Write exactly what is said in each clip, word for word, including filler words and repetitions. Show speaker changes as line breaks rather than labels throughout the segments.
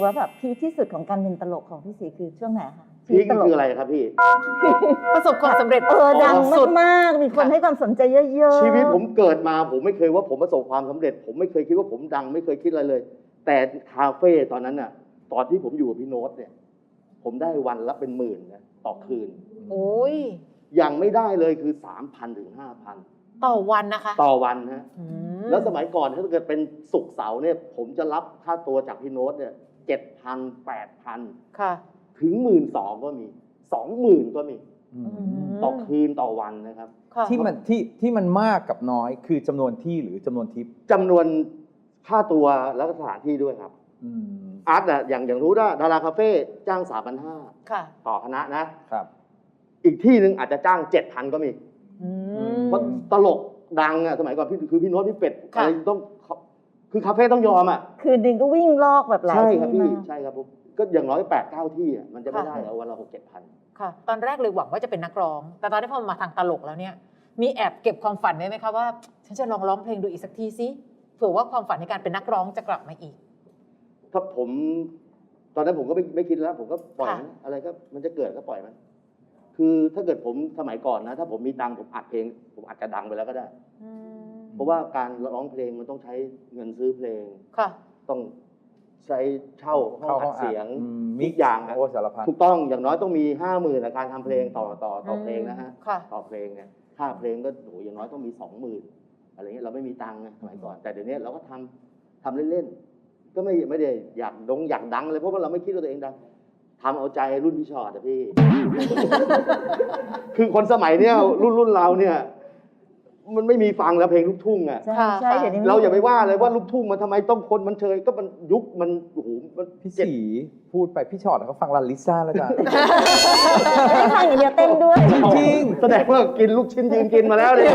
ว่าแบบพีคที่สุดของการเป็นตลกของพี่ศรีคือช่วงไหนคะ
พีคคืออะไรครับพี่
ประสบความสำเร็จ
เออดังมากๆมีคนให้ความสนใจเยอะๆ
ชีวิตผมเกิดมาผมไม่เคยว่าผมประสบความสำเร็จ ผมไม่เคยคิดว่าผมดังไม่เคยคิดอะไรเลย แต่คาเฟ่ตอนนั้นน่ะตอนที่ผมอยู่กับพี่โน้ตเนี่ยผมได้วันละเป็นหมื่นนะต่อคืน
โอ้ย
ยังไม่ได้เลยคือ สามพัน ถึง ห้าพัน
ต่อวันนะคะ
ต่อวันฮะ
อืม
แล้วสมัยก่อนถ้าเกิดเป็นศุกร์เสาร์เนี่ยผมจะรับค่าตัวจากพี่โน้ตเนี่ยเจ็ดพันแปดพัน
ค่ะ
ถึงหมื่นสองก็มีสองหมื่นก็มี
อืม
ต่อคืนต่อวันนะครับ
ค่ะ
ที่มันที่ที่มันมากกับน้อยคือจำนวนที่หรือจำนวนทิป
จำนวนค่าตัวแล้วก็สถานที่ด้วยครับ
อืม
อาร์ตอะอย่างอย่างรู้ว่าดาราคาเฟ่จ้างสามพันห้า
ค่ะ
ต่อคณะนะ
ครับ
อีกที่หนึ่งอาจจะจ้างเจ็ดพันก็มี
อื
เพราะ
ม
ตลกดังอะสมัยก่อนพี่คือพี่โน้ตพี่เป็ด
ค่ะ
อะไรต้องคือคาเฟ่ต้องยอมอะ
คืนนึงก็วิ่งลอกแบบหลาย
ใช่
ที่
ครับพี่
มาก
ใช่ครับผมก็อย่างน้อยแปดเก้าที่อะมันจะไม่ได้แล้ววันละหกเจ็ดพัน
ค่ะ ตอนแรกเลยหวังว่าจะเป็นนักร้อง แต่ตอนที่พอมาทางตลกแล้วเนี่ย มีแอบเก็บความฝันไว้ไหมคะว่า ฉันจะลองร้องเพลงดูอีกสักทีสิเผื่อว่าความฝันในการเป็นนักร้องจะกลับมาอีก
ถ้าผมตอนนั้นผมก็ไม่ไม่คิดแล้ว ผมก็ปล่อย
ค่ะ
มันอะไรก็มันจะเกิดก็ปล่อยมัน คือถ้าเกิดผมสมัยก่อนนะ ถ้าผมมีตังค์ผมอัดเพลง ผมอาจจะดังไปแล้วก็ได้
อืม
เพราะว่าการร้องเพลงมันต้องใช้เงินซื้อเพลง
ค่ะ
ต้องใช้เช่าห้องอัดเสียง
มี
ทุกอย่างอะ
โอ้สารพัด
ถูกต้องอย่างน้อยต้องมีห้าหมื่นการทำเพลงต่อต่อต่อเพลงนะฮะ
ค่ะ
ต่อเพลงเนี่ยค่าเพลงก็โหอย่างน้อยต้องมีสองหมื่นอะไรเงี้ยเราไม่มีตังค์ไงสมัยก่อนแต่เดี๋ยวนี้เราก็ทำทำเล่นๆก็ไม่ไม่ได้อยากดงอยากดังเลยเพราะว่าเราไม่คิดว่าตัวเองดังทำเอาใจรุ่นพี่ชอตอะพี่ คือคนสมัยเนี้ยรุ่นรุ่นเราเนี่ยมันไม่มีฟังแล้วเพลงลูกทุ่งอ่ะ
ใช่
ค่ะ
ใช่เดี๋ยวนี้
เราอย่าไปว่าเลยว่าลูกทุ่งมันทำไมต้องคนมันเชยก็มันยุคมันโอ้โหมัน
พี่
เจ็บ
สีพูดไปพี่ชอตเขาฟังลาลิซ่าแล้วจ้ะ
ไม่ได้ฟังอย่างเดียวเต้นด้วย
จริง
แสดงว่ากินลูกชิ้นยืนกินมาแล้วเนี่ย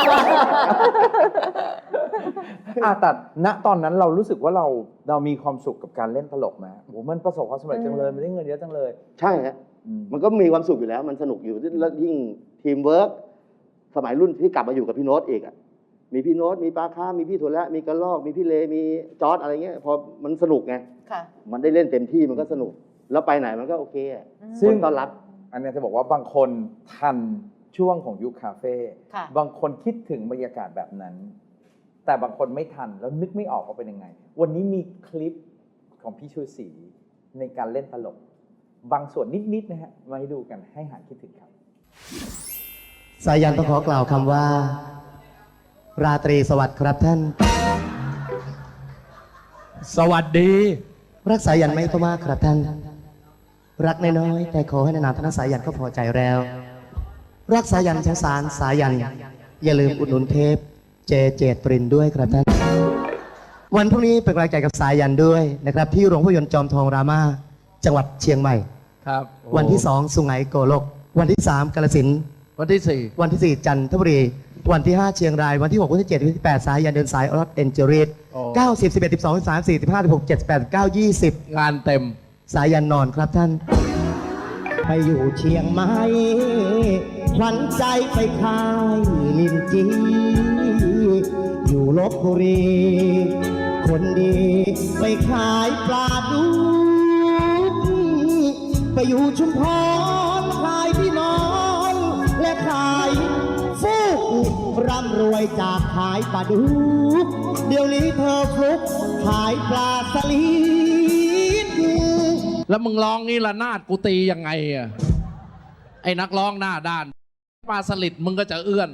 อ่ะแต่ณตอนนั้นเรารู้สึกว่าเราเรามีความสุขกับการเล่นตลกไหมโอ้โหมันประสบความสำเร็จจังเลยมันได้เงินเยอะจังเลย
ใช่ฮะ
อืม
มันก็มีความสุขอยู่แล้ว มันสนุกอยู่แล้วยิ่งทีมเวิร์กสมัยรุ่นที่กลับมาอยู่กับพี่โน้ตอีกอ่ะมีพี่โน้ตมีปาค้ามีพี่ถั่วและมีกระลอกมีพี่เลมีจอร์ดอะไรเงี้ยพอมันสนุกไง
ค่ะ
มันได้เล่นเต็มที่มันก็สนุก แล้วไปไหนมันก็โอเคอะ
ซึ่
ค
ง
นต้อนรับ
อันเนี้ยจะบอกว่าบางคนทันช่วงของยุคคาเฟ่
ค่ะ
บางคนคิดถึงบรรยากาศแบบนั้น แต่บางคนไม่ทันแล้วนึกไม่ออกว่าเป็นยังไง วันนี้มีคลิปของพี่ชูศรีในการเล่นตลก บางส่วนนิดๆนะฮะมาให้ดูกันให้หายคิดถึงครับ
สายันต้องขอกล่าวคำว่า ราตรีสวัสดิ์ครับท่าน
สวัสดี
รักสายันไม่ก็มากครับท่าน รักน้อยๆแต่ขอให้นานๆท่านสายันก็พอใจแล้ว รักสายันสงสารสายัน อย่าลืมอุดหนุนเทปเจเจตปรินด้วยครับท่าน วันพรุ่งนี้เป็นกำลังใจกับสายันด้วยนะครับที่โรงภาพยนตร์จอมทองรามาจังหวัดเชียงใหม่
ครับ
วันที่สองสุไหงโกลก วันที่สามกาฬสินธุ์
วันที่สี่
วันที่สี่จันทบุรี วันที่ห้าเชียงราย วันที่หกวันที่เจ็ดวันที่แปดสายยันเดินสายออสเอนเจริสเก้าสิบสิบเอ็ดสิบสองสิบสามสี่สิบห้าสิบหกเจ็ดสิบแปดเก้ายี่สิบ
งานเต็ม
สายยันนอนครับท่าน ไปอยู่เชียงใหม่ขวัญใจไปขายลินจีอยู่ลบบุรี คนดีไปขายปลาดุกไปอยู่ชุมพรขายพี่น้องและขายฟูกร่ำรวยจากขายปลาดุกเดี๋ยวนี้เธอฟลุกขายปลาสลิด
แล้วมึงร้องนี่ละนาดกูตียังไงอะไอ้นักร้องหน้าด้านปลาสลิดมึงก็จะเอื้อน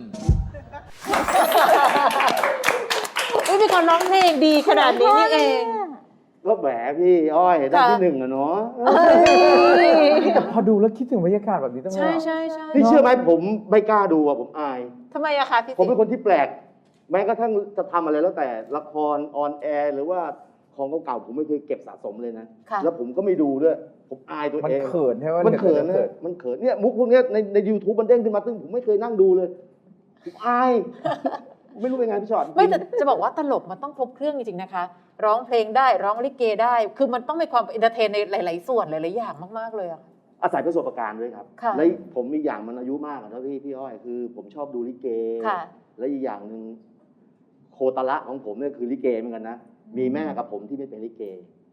อุ้ยมีคนร้องเพลงดีขนาดนี้นี่เอง
ก็แหมพี่อ้อยได้
ค่ะ
ที่หนึ่งอะเนาะ
แต่พอดูแล้วคิดถึงบรรยากาศแบบนี้ตั้ง
ใช่ใช่ใช่
นี่เชื่อไหมผมไม่กล้าดูอะผมอาย
ทำไมอะคะพี่
ผมเป็น
สิ
คนที่แปลก แม้กระทั่งจะทำอะไรแล้วแต่ละครออนแอร์หรือว่าของเก่าๆผมไม่เคยเก็บสะสมเลยนะ
ค่ะ
แล้วผมก็ไม่ดูด้วย ผมอายตัว
มัน
เอง
เขินใช่ไหม
มันเขิน
เขิ
นะมันเขินเนี่ยมุกพวกเนี้ยในในยูทูบมันเด้งขึ้นมาซึ่งผมไม่เคยนั่งดูเลยผมอาย ไม่รู้เป็นไงพี่ชอต
ไม่แต่จะบอกว่าตลกมันต้องครบเครื่องจริงๆนะคะ ร้องเพลงได้ร้องลิเกได้ คือมันต้องมีความเอนเตอร์เทนในหลาย ๆ ส่วนหลายๆอย่างมากๆเลยอะ
อาศัยประสบการณ์ด้วยครับ
ค่ะ
และผมมีอย่างมันอายุมากอะนะพี่พี่อ้อยคือ ผมชอบดูลิเก
ค่ะ
และอีกอย่างหนึ่งโคตรละของผมเนี่ยคือลิเกเหมือนกันนะมีแม่กับผมที่ไม่เป็นลิเก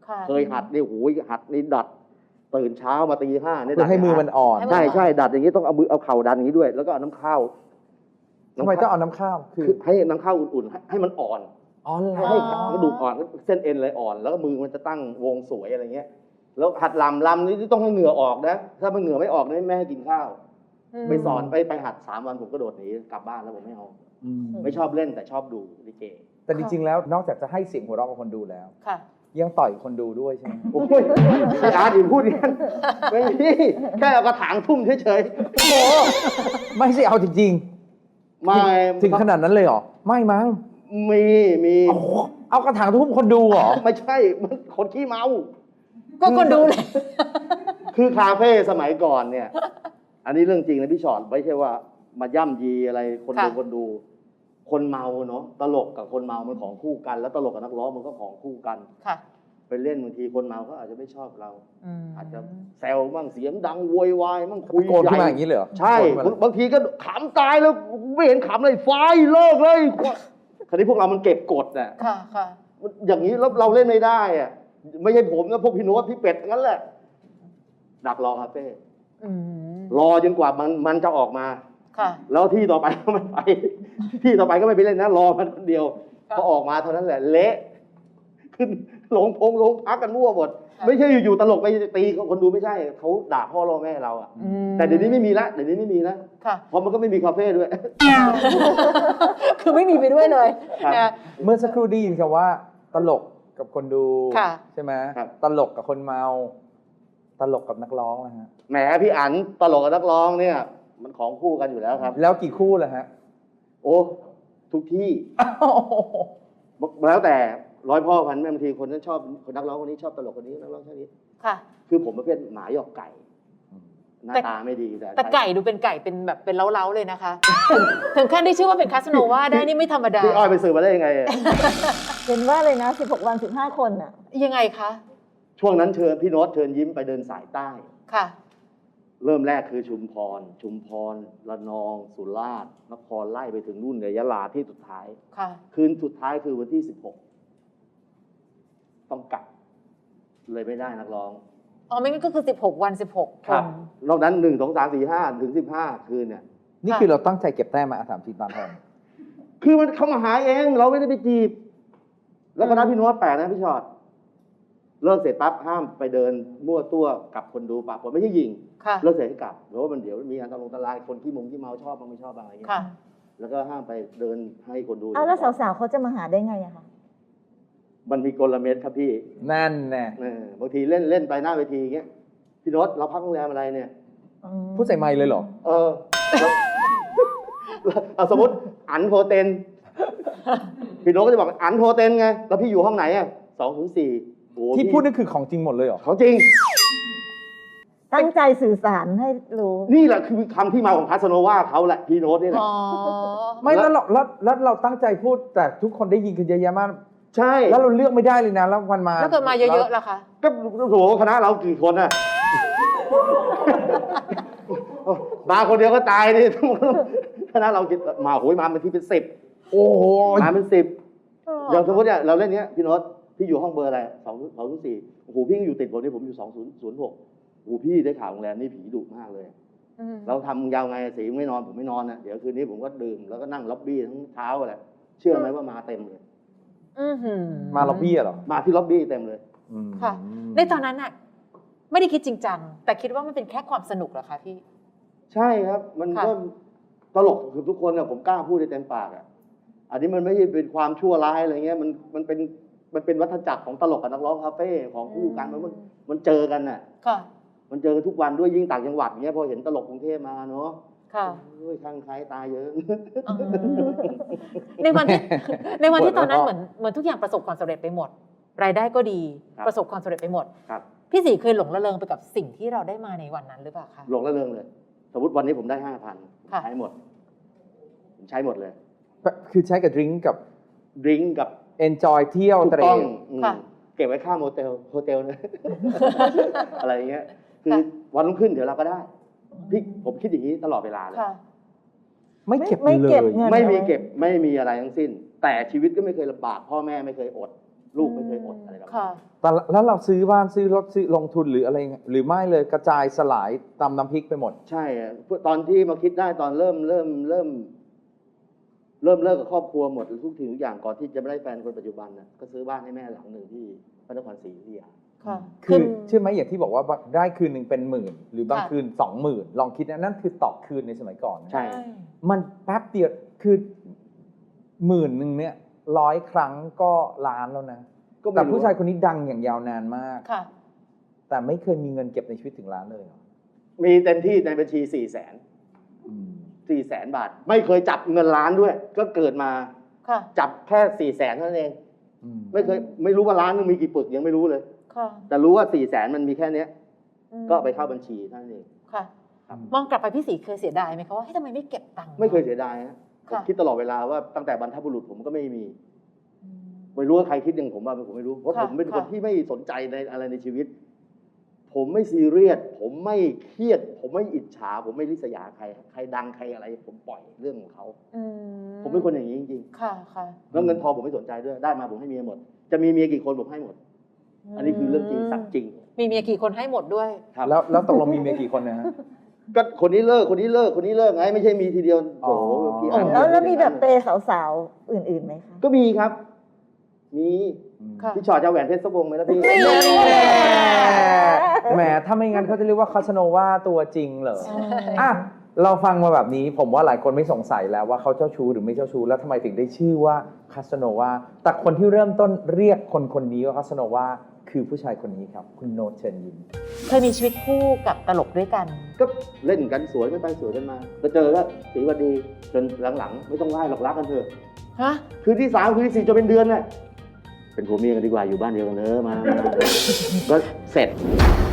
ค่ะ
เคยหัดนี่โอ้ยหัดนี่ดัดตื่นเช้ามาตีห้าเนี่ย
เพื่อให้มือมันอ่อน
ใช่ใช่ดัดอย่างนี้ต้องเอามือเอาเข่าดันอย่างนี้ด้วย แล้วก็เอาน้ำข้าว
ทำไมต้องเอาน้ำข้าวคือ
คือให้น้ำข้าวอุ่นๆให้ให้มันอ่อน
อ๋อเหร
ให้
อ
ให้กระดูกอ่อนเส้นเอ็นเลยอ่อน แล้วก็มือมันจะตั้งวงสวยอะไรเงี้ย แล้วหัดลำลำนี่ต้องให้เหงื่อออกนะ ถ้ามันเหงื่อไม่ออกนี่แม่ให้กินข้าว ไปสอนไปไปหัดสามวันผมก็โดดหนีกลับบ้านแล้วผมไม่เอา
อืม
ไม่ชอบเล่นแต่ชอบดูลิเก
แต่จริงๆแล้วนอกจากจะให้เสียงหัวเราะกับคนดูแล้ว
ค่ะ
ยังต่อยคนดูด้วยใช่ไหม
โอ้ยอาจารย์อย่าพูดอย่างนั้นไม่มีแค่เอากระถางทุ่มเฉยๆโอ้โห
ไม่ใช่เอาจริง
ไม่
ๆถึงขนาดนั้นเลยเหรอไม่มั้ง
มีมี
เอาเอากระถางทุ่มคนดูเหรอ
ไม่ใช่มันคนขี้เมา
ก็คนดูเลย
คือคาเฟ่สมัยก่อนเนี่ย อันนี้เรื่องจริงนะพี่ชอตไม่ใช่ว่ามาย่ำยีอะไรคนดู
ค่ะ
คนดู คนเมาเนาะตลกกับคนเมามันของคู่กัน แล้วตลกกับนักร้องมันก็ของคู่กัน
ค่ะ
ไปเล่นบางทีคนเมาก็อาจจะไม่ชอบเรา
อืม
อาจจะแซวบ้างเสียงดังโวยวายบ้างคุย
โกนขึ้นมาอย่างนี้เลยเหรอ
ใช่
โกนขึ้นมาเลย
บางทีก็ขำตายแล้วไม่เห็นขำเลยไฟเลิกเลยคราวนี้พวกเรามันเก็บกดน่ะ
ค่ะค่ะ
อย่างนี้แล้วเราเล่นไม่ได้อะไม่ใช่ผมนะพวกพี่โน้ตพี่เป็ดงั้นแหละ ดักรอคาเฟ่
อืม
รอจนกว่ามันมันจะออกมา
ค่ะ
แล้วที่ต่อไปก็ไม่ไป ที่ต่อไปก็ไม่ไปเล่นนะรอมันคนเดียว
ครับ
พอออกมาเท่านั้นแหละเละขึ้นหลงพงหลงพักกันมั่วหมด
ครับ
ไม่ใช่อยู่ๆตลกไปตีคนดูไม่ใช่เขาด่าพ่อรอแม่เราอะ
อืม
แต่เดี๋ยวนี้ไม่มีละเดี๋ยวนี้ไม่มีนะ
ค่ะ
เพราะมันก็ไม่มีคาเฟ่ด้วย
คือไม่มีไปด้วยเลย
ครับ
นะ
เมื่อสักครู่ได้ยินคำว่า ตลกกับคนดู
ค่ะ
ใช่ไหม
ครับ
ตลกกับคนเมา ตลกกับนักร้องนะฮะ
แหมพี่อั๋นตลกกับนักร้องเนี่ย มันของคู่กันอยู่แล้วครับ
แล้วกี่คู่ล่ะฮะ
โอ้ทุกที่ แล้วแต่ร้อยพ่อพันแม่บางทีคนนั้นชอบคนนักร้องคนนี้ชอบตลกคนนี้นักร้องชอบนี้
ค่ะ
คือผมประเภทหมาหยอกไก่ หน้า
แต่
ตาไม่ดีแต่
แต่ไก่ดูเป็นไก่เป็นแบบเป็นเล้าๆเลยนะคะ ถึงถึงขั้นที่ชื่อว่าเป็นคาสโนวาได้นี่ไม่ธรรมดา
พี่อ้อยไปสืบมาได้ยังไงอะ
เห็นว่าเลยนะสิบหกวันสิบห้าคนอ่ะ
ยังไงคะ
ช่วงนั้นเชิญพี่โน้ตเชิญยิ้มไปเดินสายใต้
ค่ะ
เริ่มแรกคือชุมพร ชุมพรระนอง สุราษฎร์นครไล่ไปถึงนู่นเลยยะลาที่สุดท้าย
ค่ะ
คืนสุดท้ายคือวันที่สิบหกต้องกลับ เลยไม่ได้นักร้อง
อ๋อไม่งั้นก็คือสิบหกวันสิบหกคน
นอกนั้นหนึ่งสองสามสี่ห้าถึงสิบห้าคืนเนี่ย
นี่คือเราตั้งใจเก็บแต้มมาอ่ะถามทีตามแทน
คือมันเข้ามาหาเองเราไม่ได้ไปจีบ แล้วคณะพี่โน้ตแปลกนะพี่ชอตเลิกเสร็จปั๊บห้ามไปเดินมั่วตัวกับคนดูปะผมไม่ใช่ยิง
ค่ะ
เลิกเสร็จให้กลับเพราะว่ามันเดี๋ยวมีอันตรายอันตรายคนที่มุงที่เมาชอบมันไม่ชอบอะไรอย่างเงี้ย
ค่ะ
แล้วก็ห้ามไปเดินให้คนดู
เอาแล้วสาวๆเขาจะมาหาได้ไงอะคะ
มันมีกลเม็ดครับพี่
นั่นแน่
เออบางทีเล่นเล่นไปหน้าเวทีอย่างเงี้ยพี่โน้ตเราพักโรงแรมอะไรเนี่ย
อืม
พูดใส่ไมค์เลยเหรอ
เออแล้วเอาสมมติอันโฮเทนพี่โน้ตก็จะบอกอันโฮเทนไงแล้วพี่อยู่ห้องไหนอ่ะสองถึงสี่โอ้
ที่
พี่
พูดนี่คือของจริงหมดเลยเหรอ
ของจริง
ตั้งใจสื่อสารให้รู้
นี่แหละคือคำที่มาของคาสโนวาเขาแหละพี่โน้ตนี่แหละ
อ๋อ
ไม่แล้วเราแล้วแล้วเราตั้งใจพูดแต่ทุกคนได้ยินกันเยอะแยะมาก
ใช่
แล้วเราเลือกไม่ได้เลยนะ แล้ววันมา
แล้วเกิดมาเยอะๆล่ะคะ
ก็โอ้โหคณะเรากี่คนอ่ะ มาคนเดียวก็ตายดิ คณะเราคิดมาโหยมาเป็นที่เป็นสิบ
โอ้โห
มาเป็นสิบอย่างสมมติเนี่ยเราเล่นเนี้ยพี่โน้ตพี่อยู่ห้องเบอร์อะไรสองสองศูนย์สี่โอ้โหพี่อยู่ติดผมนี่ผมอยู่สองศูนย์ศูนย์หกโอ้โหพี่ได้ข่าวโรงแรมนี่ผีดุมากเลย
อืม
เราทำยาวไงสีไม่นอนผมไม่นอนนะเดี๋ยวคืนนี้ผมก็ดื่มแล้วก็นั่งล็อบบี้ทั้งเช้าอะไรเชื่อไหมว่ามาเต็มเลย
อื้อหือ
มาล็อบบี้เหรอ
มาที่ล็อบบี้เต็มเลย
อืม
ค่ะ ในตอนนั้นน่ะ ไม่ได้คิดจริงจัง แต่คิดว่ามันเป็นแค่ความสนุกเหรอคะพี่
ใช่ครับ มัน
ค่ะ
ก็ตลกคือทุกคนอะผมกล้าพูดได้เต็มปากอะอันนี้มันไม่ใช่เป็นความชั่วร้ายอะไรเงี้ยมันมันเป็นมันเป็นวัฏจักรของตลกกับนักร้องคาเฟ่ของคู่กันมันมันมันเจอกันน่ะ
ค่ะ
มันเจอกันทุกวันด้วยยิ่งต่างจังหวัดเงี้ยพอเห็นตลกกรุงเทพมาเนาะ
ค่ะ
โอ้ยข้างใครตายเยอะ
อ๋อในวันที่ ในวันที่
ปวด
ตอนนั้น
หัว
เหมือนเหมือนทุกอย่างประสบความสำเร็จไปหมด รายได้ก็ดี
ครับ
ประสบความสำเร็จไปหมด
ครับ
พี่ศรีเคยหลงระเริงไปกับสิ่งที่เราได้มาในวันนั้นหรือเปล่าคะ
หลงระเริงเลย สมมติวันนี้ผมได้ห้าพัน
ค่ะ
ใช้หมด ผมใช้หมดเลย
คือใช้กับดริงก์กับ
ดริงก์กับ
enjoy เที่ยว
ถู
เต
ก
ร
ต้อง
น
อืม
ค่ะ
เก็บไว้ค่าโมเตลโฮเทลนะ อะไรอย่างเงี้ย คือ
ค่ะ
วันรุ่งขึ้นเดี๋ยวเราก็ได้ พี่ผมคิดอย่างนี้ตลอดเวลาเลย
ค่ะ
ไม่เก็บ
ไม่
เล
เก็บ
ย
เงิน
ไม่มีเก็บไม่มีอะไรทั้งสิ้น แต่ชีวิตก็ไม่เคยลำบาก พ่อแม่ไม่เคยอดลูกไม่เคยอดอะไรแบบนี้
ค่ะ
แต่แล้วเราซื้อบ้านซื้อรถซื้อลงทุนหรืออะไรหรือไม่เลยกระจายสลายตำน้ำพริกไปหมด
ใช่อะตอนที่มาคิดได้ตอนเริ่มเริ่มเริ่ม เริ่มเลิกกับครอบครัวหมดทุกสิ่งทุกอย่างก่อนที่จะไม่ได้แฟนคนปัจจุบันนะก็ซื้อบ้านให้แม่หลังหนึ่งที่พระนครศรีอยุธยา
ค่ะ
คือเชื่อไหมอย่างที่บอกว่าได้คืนหนึ่งเป็นหมื่น หรือบาง
ค่ะ
คืนสองหมื่นลองคิดนะนั่นคือต่อคืนในสมัยก่อนนะ
ใช่
มันแป๊บเดียวคือหมื่นหนึ่งเนี่ยร้อยครั้งก็ล้านแล้วนะ
ก็ไม่
แต่
รู้
ผู้ชายคนนี้ดังอย่างยาวนานมาก
ค่ะ
แต่ไม่เคยมีเงินเก็บในชีวิตถึงล้านเลยเหรอ
มีเต็มที่ในบัญชีสี่แสน
อืม
สี่แสนบาท ไม่เคยจับเงินล้านด้วย ก็เกิดมา
ค่ะ
จับแค่สี่แสนเท่านั้นเอง
อืม
ไม่เคยไม่รู้ว่าล้านนึงมีกี่ปึกยังไม่รู้เลย
ค่ะ
แต่รู้ว่าสี่แสนมันมีแค่เนี้ย
อืม
ก็ไปเข้าบัญชีเท่านั้นเอง
ค่ะ
ครับ
มองกลับไปพี่ศรีเคยเสียดายไหมคะว่าเฮ้ยทำไมไม่เก็บตังค์
ไม่เคยเสียดายฮะผม
ค่ะ
คิดตลอดเวลาว่าตั้งแต่บรรพบุรุษผมก็ไม่มี
อืม
ไม่รู้ว่าใครคิดอย่างผมบ้างผมไม่รู้ เพราะ
ค่ะ
ผมเป็นคน
ค่ะ
ที่ไม่สนใจในอะไรในชีวิต ผมไม่ซีเรียส ผมไม่เครียด ผมไม่อิจฉา ผมไม่ริษยาใคร ใครดังใครอะไร ผมปล่อยเรื่องของเขา
อื
ผมเป็นคนอย่างนี้จริง
ค่ะค่ะ
ๆแล้วเงินทองผมไม่สนใจด้วย ได้มาผมให้เมียหมด จะมีเมียกี่คนผมให้หมด อันนี้คือเรื่องจริงสัตย์จริง
มีเมียกี่คนให้หมดด้วย
ครับ
แล้วแล้วตกลงมีเมียกี่คนนะฮะ
ก็คนนี้เลิก คนนี้เลิก คนนี้เลิกไง ไม่ใช่มีทีเดียวโอ้โห
อ๋อ
พี่
อ๋อ
อ่าน
แล้วแล้วมีแบบเปย์สาวๆ อื่นๆไหมคะ
ก็มีครับ มี
ค่ะ
พี่ชอตจะเอาแหวนเพชรสักวงไหมล่ะพี่
แหมถ้าไม่งั้นเขาจะเรียกว่าคาสโนวาตัวจริงเหรอ
ใช่
อ่ะเราฟังมาแบบนี้ผมว่าหลายคนไม่สงสัยแล้วว่าเขาเจ้าชู้หรือไม่เจ้าชู้แล้วทำไมถึงได้ชื่อว่าคาสโนวาแต่คนที่เริ่มต้นเรียกคนคนนี้ว่าคาสโนวาคือผู้ชายคนนี้ครับ คุณโนตเชิญยิ้ม
เคยมีชีวิตคู่กับตลกด้วยกัน
ก็เล่นกันสวยไม่ไปสวยกันมาก็เจอก็สีวันดีจนหลังๆ ไม่ต้องไหว้หรอกรักกันเถอะ
ฮะ
คืนที่สามคืนที่สี่จนเป็นเดือนน่ะเป็นผัวเมียกันดีกว่าอยู่บ้านเดียวกันเนอะมามาก็เสร็จ